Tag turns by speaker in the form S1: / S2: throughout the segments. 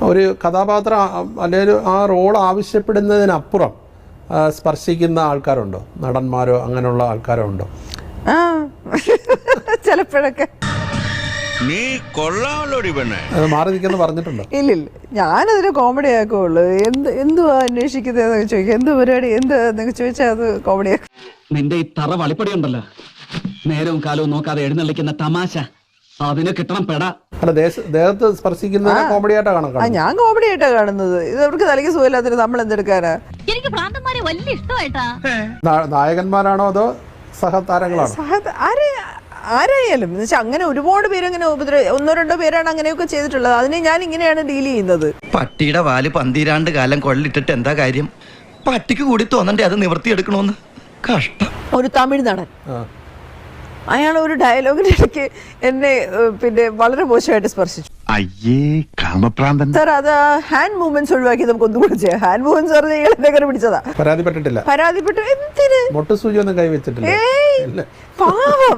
S1: ഒരു കഥാപാത്രം അല്ലെങ്കിൽ ആ റോൾ ആവശ്യപ്പെടുന്നതിനപ്പുറം സ്പർശിക്കുന്ന ആൾക്കാരുണ്ടോ? നടന്മാരോ അങ്ങനെയുള്ള ആൾക്കാരോ ഉണ്ടോ?
S2: ചിലപ്പോഴൊക്കെ.
S3: നീ കൊള്ളാമല്ലോടി പെണ്ണെ.
S1: മാറി നിൽക്കുന്നു പറഞ്ഞിട്ടുണ്ടോ?
S2: ഇല്ലില്ല, ഞാനതിന് കോമഡി ആക്കുള്ളൂ. എന്തുവാ അന്വേഷിക്കുന്നതെന്നൊക്കെ ചോദിക്കാം, എന്ത് പരിപാടി എന്താന്നൊക്കെ ചോദിച്ചാൽ അത് കോമഡി ആക്കും.
S4: നിന്റെ ഈ തറ വളിപ്പടി ഉണ്ടല്ലോ, നേരവും കാലവും നോക്കാതെ എഴുന്നള്ളിക്കുന്ന തമാശ, അതിനെ കിട്ടണം പെടാ.
S1: അല്ല, ദേഹത്ത് സ്പർശിക്കുന്നത് കോമഡി ആയിട്ടാണ് കാണുന്നത്.
S2: ഞാൻ കോമഡി ആയിട്ടാ കാണുന്നത്. ഇത് അവർക്ക് തലയ്ക്ക് സുഖമില്ലാത്തിട്ട് നമ്മൾ എന്തെടുക്കാനാ?
S5: എനിക്ക് ഭ്രാന്തന്മാരെ വലിയ ഇഷ്ടമായിട്ടാ.
S1: നായകന്മാരാണോ അതോ സഹതാരങ്ങളാണോ?
S2: ആരായാലും എന്ന് വെച്ചാൽ അങ്ങനെ ഒരുപാട് പേര് അങ്ങനെ ഒന്നോ രണ്ടോ പേരാണ് അങ്ങനെയൊക്കെ ചെയ്തിട്ടുള്ളത്. അതിനെ ഞാൻ ഇങ്ങനെയാണ് ഡീൽ ചെയ്യുന്നത്.
S6: പട്ടിയുടെ വാല് 12 കാലം കൊള്ളിട്ടിട്ട് എന്താ കാര്യം? പട്ടിക്ക് കൂടി തോന്നണ്ടേ അത് നിവർത്തിയെടുക്കണോന്ന്? കഷ്ടം.
S2: ഒരു തമിഴ് നടൻ, അയാൾ ഒരു ഡയലോഗിന്റെ ഇടയ്ക്ക് എന്നെ പിന്നെ വളരെ മോശമായിട്ട് സ്പർശിച്ചു.
S3: അയ്യേ കാമപ്രാന്തൻ.
S2: സാർ, അത് ഹാൻഡ് മൂവ്മെന്റ്സ് ഒഴിവാക്കി നമുക്ക് ഒന്നുകൂടെ ചെയ്യാം. ഹാൻഡ് മൂവ്മെന്റ്സ് പറഞ്ഞാൽ ഇയാൾ എന്നെ കയറി പിടിച്ചതാ.
S1: പരാതിപ്പെട്ടിട്ടില്ല?
S2: പരാതിപ്പെട്ടു. എന്തിന്?
S1: മൊട്ടുസൂചി ഒന്നും കൈവച്ചിട്ടില്ല.
S2: പാവം.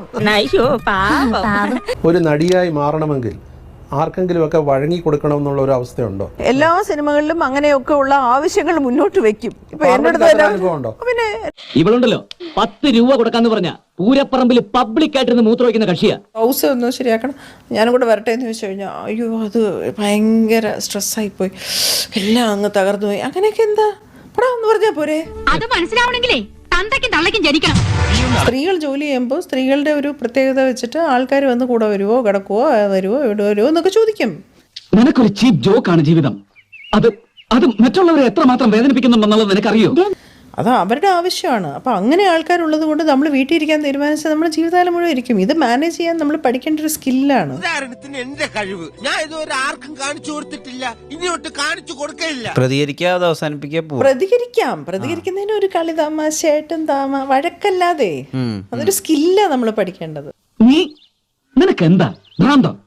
S1: ഒരു നടിയായി മാറണമെങ്കിൽ ആർക്കെങ്കിലും ഒക്കെ വഴങ്ങി കൊടുക്കണം എന്നുള്ള ഒരു അവസ്ഥയുണ്ടോ?
S2: എല്ലാ സിനിമകളിലും അങ്ങനെയൊക്കെ ഉള്ള ആവശ്യങ്ങൾ മുന്നോട്ട് വെക്കും. ഇപ്പൊ
S1: അനുഭവമുണ്ടോ?
S2: പിന്നെ
S4: ഇവളുണ്ടല്ലോ 10 രൂപ കൊടുക്കാന്ന് പറഞ്ഞ പൂരപ്പറമ്പിൽ പബ്ലിക് ആയിട്ടിരുന്ന് മൂത്ര വയ്ക്കുന്ന കക്ഷിയാ.
S2: ഹൗസ് ഒന്ന് ശരിയാക്കണം, ഞാനും കൂടെ വരട്ടെ എന്ന് ചോദിച്ചു കഴിഞ്ഞാൽ അയ്യോ അത് ഭയങ്കര സ്ട്രെസ്സായിപ്പോയി, എല്ലാം അങ്ങ് തകർന്നു പോയി. അങ്ങനെയൊക്കെ എന്താ പടാ എന്ന് പറഞ്ഞാൽ പോരെ?
S5: അത് മനസ്സിലാവണമെങ്കിലേ തന്തയ്ക്കും തള്ളയ്ക്കും ജനിക്കണം.
S2: സ്ത്രീകൾ ജോലി ചെയ്യുമ്പോൾ സ്ത്രീകളുടെ ഒരു പ്രത്യേകത വെച്ചിട്ട് ആൾക്കാർ വന്ന് കൂടെ വരുവോ, കിടക്കുവോ, വരുവോ, ഇവിടെ വരുവോ എന്നൊക്കെ ചോദിക്കും.
S4: നിനക്കൊരു ചീപ്പ് ജോക്കാണ് ജീവിതം. അത് മറ്റുള്ളവരെ എത്രമാത്രം വേദനിപ്പിക്കുന്നുണ്ടെന്നുള്ളത് നിനക്കറിയോ?
S2: അത് അവരുടെ ആവശ്യമാണ്. അപ്പം അങ്ങനെ ആൾക്കാരുള്ളത് കൊണ്ട് നമ്മൾ വീട്ടിൽ ഇരിക്കാൻ തീരുമാനിച്ചാൽ നമ്മൾ ജീവിതകാലം മുഴുവൻ ഇരിക്കും. ഇത് മാനേജ് ചെയ്യാൻ നമ്മൾ പഠിക്കേണ്ട ഒരു സ്കില്ലാണ്.
S7: എന്റെ കഴിവ് ഞാൻ ഇതുവരെ ആർക്കും കാണിച്ചു കൊടുത്തിട്ടില്ല, ഇനിയോട്ട് കാണിച്ചു കൊടുക്കില്ല.
S6: പ്രതികരിക്കാതെ അവസാനിപ്പിക്കാൻ
S2: പ്രതികരിക്കുന്നതിന് ഒരു കളി തമാശയായിട്ടും വഴക്കല്ലാതെ അതൊരു സ്കില്ലാ നമ്മൾ പഠിക്കേണ്ടത്.
S4: നിനക്ക് എന്താ ഭ്രാന്തം?